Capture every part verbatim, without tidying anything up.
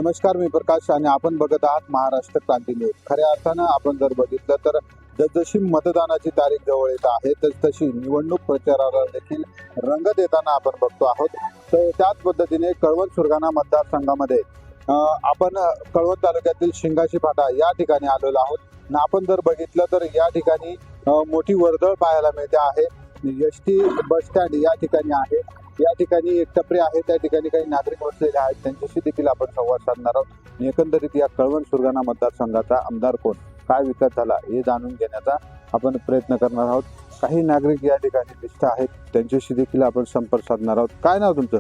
नमस्कार, मी प्रकाश आणि आपण बघत आहात महाराष्ट्र क्रांती न्यूज. खऱ्या अर्थानं आपण जर बघितलं तर जसजशी मतदानाची तारीख जवळ येत आहे तसतशी निवडणूक प्रचाराला देखील रंग देताना आपण बघतो आहोत. तर त्याच पद्धतीने कळवण सुरगाणा मतदारसंघामध्ये आपण कळवण तालुक्यातील शिंगाशी फाटा या ठिकाणी आलेलो आहोत. आणि आपण जर बघितलं तर या ठिकाणी मोठी वर्दळ पाहायला मिळते आहे. एस टी बस स्टँड या ठिकाणी आहे. या ठिकाणी एक टपरी आहे, त्या ठिकाणी काही नागरिक बसलेले आहेत, त्यांच्याशी देखील आपण संवाद साधणार आहोत. एकंदरीत या कळवण सुरगाणा मतदारसंघाचा आमदार कोण, काय विकास झाला हे जाणून घेण्याचा आपण प्रयत्न करणार आहोत. काही नागरिक या ठिकाणी दिसत आहेत, त्यांच्याशी देखील आपण संपर्क साधणार आहोत. काय नाव तुमचं?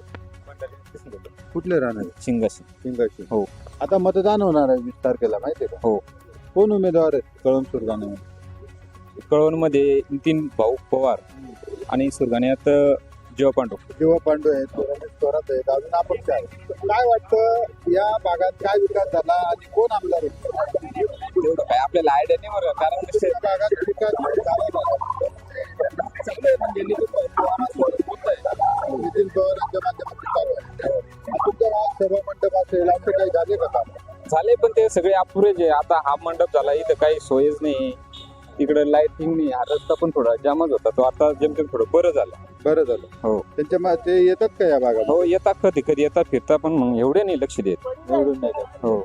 कुठले राहणार? शिंगाशी. शिंगाशी. हो. आता मतदान होणार आहे वीस तारखेला, माहितीये का? हो. कोण उमेदवार आहेत कळवण सुरगाणा? कळवण मध्ये नितीन भाऊ पवार आणि सुरगाण्यात जेव्हा पांडू जेव्हा पांडू आहेत, थोरात आहेत, अजून आपण काय काय वाटतं या भागात काय विकास झाला आणि कोण आमदार आहे? तेवढं काय आपल्याला आयडिया नाही बरं, कारण त्या भागात विकास झाला नाही. सगळे म्हणजे नितीन भाऊ नितीन पवारांच्या माध्यमातून चालू आहे. तुमच्या गावात सभा मंडप असेल असं काही झाले का काम? झाले, पण ते सगळे अपुरेच आहे. आता हा मंडप झाला, इथं काही सोयच नाही, इकडे लाईटिंग नाही, हा रस्ता पण थोडा जामच होता, तो आता जेमतेम थोडं बरं झालं. बरं झालं. हो. त्यांच्या मा- ते येतात का या भागात? हो, येतात कधी कधी येतात, फिरता, पण मग एवढे नाही लक्ष देत. एवढं नाही का? हो.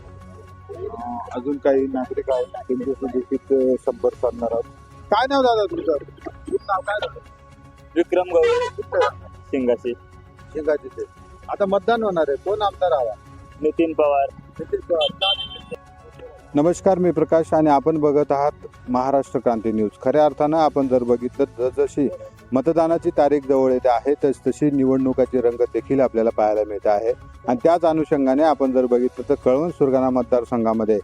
अजून काही नागरिक आहेत, त्यांच्याशी देखील संपर्क साधणार आहोत. काय नाव दादा तुमचं? तुमचं नाव काय? विक्रम गवळी, शिंगाशी. शिंगाचे. आता मतदान होणार आहे, कोण आमदार हवा? नितीन पवार. नितीन पवार. नमस्कार, मी प्रकाश आणि आपण बघत आहात महाराष्ट्र क्रांती न्यूज. खऱ्या अर्थानं आपण जर बघितलं जसजशी मतदानाची तारीख जवळ येते आहे तस तशी निवडणुकाची रंगत देखील आपल्याला पाहायला मिळते आहे. आणि त्याच अनुषंगाने आपण जर बघितलं तर कळवण सुरगाणा मतदारसंघामध्ये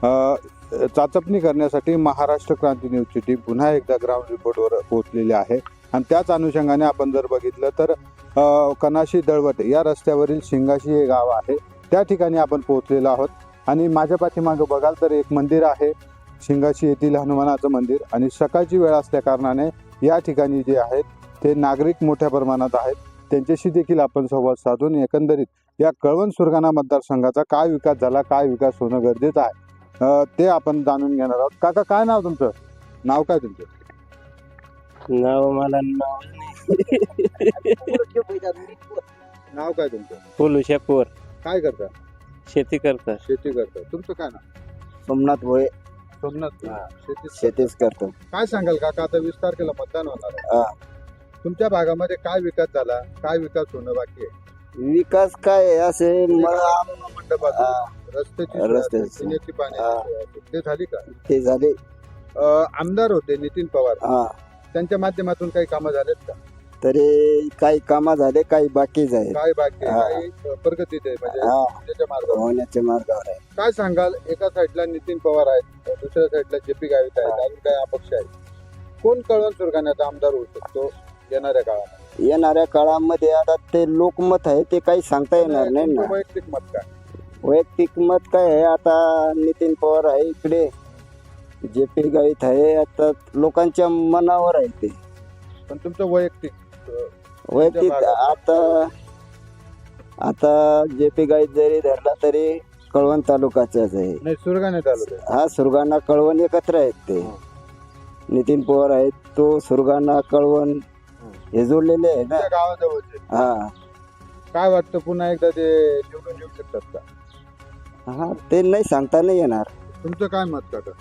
चाचपणी करण्यासाठी महाराष्ट्र क्रांती न्यूजची टीम पुन्हा एकदा ग्राउंड रिपोर्टवर पोहोचलेली आहे. आणि त्याच अनुषंगाने आपण जर बघितलं तर कनाशी दळवट या रस्त्यावरील शिंगाशी हे गाव आहे, त्या ठिकाणी आपण पोहोचलेलो आहोत. आणि माझ्या पाठीमागं बघाल तर एक मंदिर आहे, शिंगाशी येथील हनुमानाचं मंदिर. आणि सकाळची वेळ असल्या कारणाने या ठिकाणी जे आहेत ते नागरिक मोठ्या प्रमाणात आहेत, त्यांच्याशी देखील आपण संवाद साधून एकंदरीत या कळवण सुरगाणा मतदारसंघाचा काय विकास झाला, काय विकास होणं गरजेचं आहे ते आपण जाणून घेणार आहोत. काका, काय नाव तुमचं? नाव काय तुमचं? नाव मला नाव नाव काय तुमचं? पोलू शेपूर. काय करता? शेती करतात. शेती करता. तुमचं काय नाव? सोमनाथ भोये. सोमनाथ. शेती शेतीच करतो. काय सांगाल काका, आता वीस तारखेला मतदान होणार आहे, तुमच्या भागामध्ये काय विकास झाला, काय विकास होणं बाकी आहे? विकास काय आहे, असे मला मंडपात रस्त्याची सोय रस्त्याची असेल, पिण्याची पाण्याची सोय असेल, ते झाली का? ते झाले. अं, आमदार होते नितीन पवार, हा, त्यांच्या माध्यमातून काही कामं झालेत का? तरी काही कामा झाले, काही बाकीच आहे. काय बाकी आहे? हा. काही प्रगतीत आहे म्हणजे हा. त्याच्या मार्गावर? होण्याच्या मार्गावर आहे. काय सांगाल, एका साईडला नितीन पवार आहेत, दुसऱ्या साईडला जे पी गावित आहेत, अजून काही अपक्ष आहेत, कोण कळवण सुरगाण्याचा आमदार होऊ शकतो येणाऱ्या काळात? येणाऱ्या काळामध्ये आता ते लोकमत आहे, ते काही सांगता येणार नाही ना. तुमचं वैयक्तिक मत काय? वैयक्तिक मत काय आहे, आता नितीन पवार आहे इकडे, जे पी गावित आहे, आता लोकांच्या मनावर आहे ते. पण तुमचं वैयक्तिक वैयक्तिक आता आता जे पी गाईत जरी धरला तरी कळवण तालुक्याचाच आहे. नाही, सुरगाणे तालुका. हा, सुरगाणा कळवण एकत्र आहेत ते. नितीन पवार आहेत, तो सुरगाणा कळवण हे जोडलेले आहे ना. तुमच्या गावाजवळचे. हा काय वाटतं, पुन्हा एकदा ते निवडून येऊ शकतात का? हा, ते नाही सांगता नाही येणार. तुमचं काय मत काका?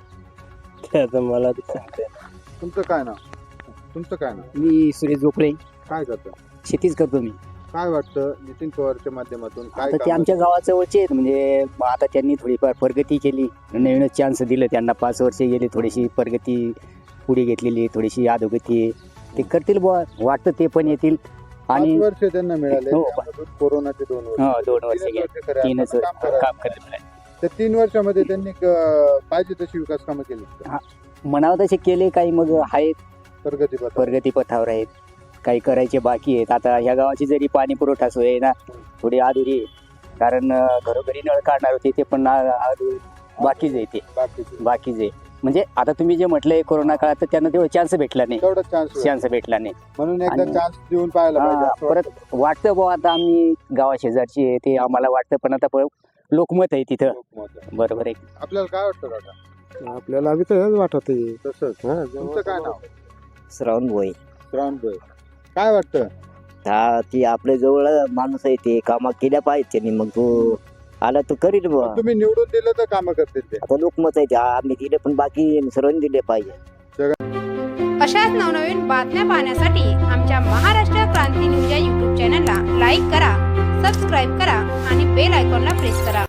आता मला तुमचं काय नाव? तुमचं काय नाव? मी सुरेश जोपळे. काय करता? शेतीच करतो मी. काय वाटतं नितीन पवारच्या माध्यमातून काय आता ते कामं आमच्या गावाजवळचे आहेत, म्हणजे आता त्यांनी थोडीफार प्रगती केली, नवीनच चान्स दिलं त्यांना. पाच वर्ष गेले, थोडीशी प्रगती पुढे घेतलेली, थोडीशी अधोगती आहे. ते करतील बुवा, वाटतं ते पण येतील. आणि पाच वर्ष त्यांना मिळाले, हो. त्यामधून कोरोनाचे दोन वर्ष. हो, दोन वर्ष तीनच गेले, वर्ष खऱ्या तीनच अर्थानं काम करायचं. काम करत त्या तीन वर्षामध्ये त्यांनी क- पाहिजे तशी विकास कामं केली का? म्हणावं तसे केले, काही मग आहेत प्रगती पथ. प्रगती पथावर आहेत, काही करायचे बाकी आहेत. आता ह्या गावाची जरी पाणी पुरवठा सोय आहे ना, थोडी अधुरी आहे, कारण अं, घरोघरी नळ काढणार होते, ते पण आ- अधुरी बाकीच आहे. ते बाकीचे बाकीच आहे. म्हणजे आता तुम्ही जे म्हटलंय कोरोना काळात, तर त्यांना तेवढा चान्स भेटला नाही, तेवढा चान्स चान्स भेटला नाही. म्हणून एकदा आणि- चान्स देऊन पाहायला पाहिजे हा, असं परत वाटतं. वाटतं बुवा, आता आम्ही गावा शेजारची आहे, ते आम्हाला वाटतं, पण आता प- लोकमत आहे तिथं. लोकमत आहे. बरोबर आहे. आपल्याला काय वाटतं काका? आपल्याला बी तर वाटत तसंच तुमचं काय नाव? श्रावण भोई श्रावण भाई, काय वाटतं? हा ती आपल्या जवळ माणूस आहे ते कामा केल्या पाहिजे त्यांनी मग तो आला तर करील बुवा. तुम्ही निवडून दिलं तर काम करतील ते. आता लोकमत आहे ते आम्ही दिले पण बाकी सर्वांनी दिले पाहिजे. अशाच नवनवीन बातम्या पाहण्यासाठी आमच्या महाराष्ट्र क्रांती न्यूज या यूट्यूब चॅनलला लाईक करा, सबस्क्राईब करा आणि बेल आयकॉनला प्रेस करा.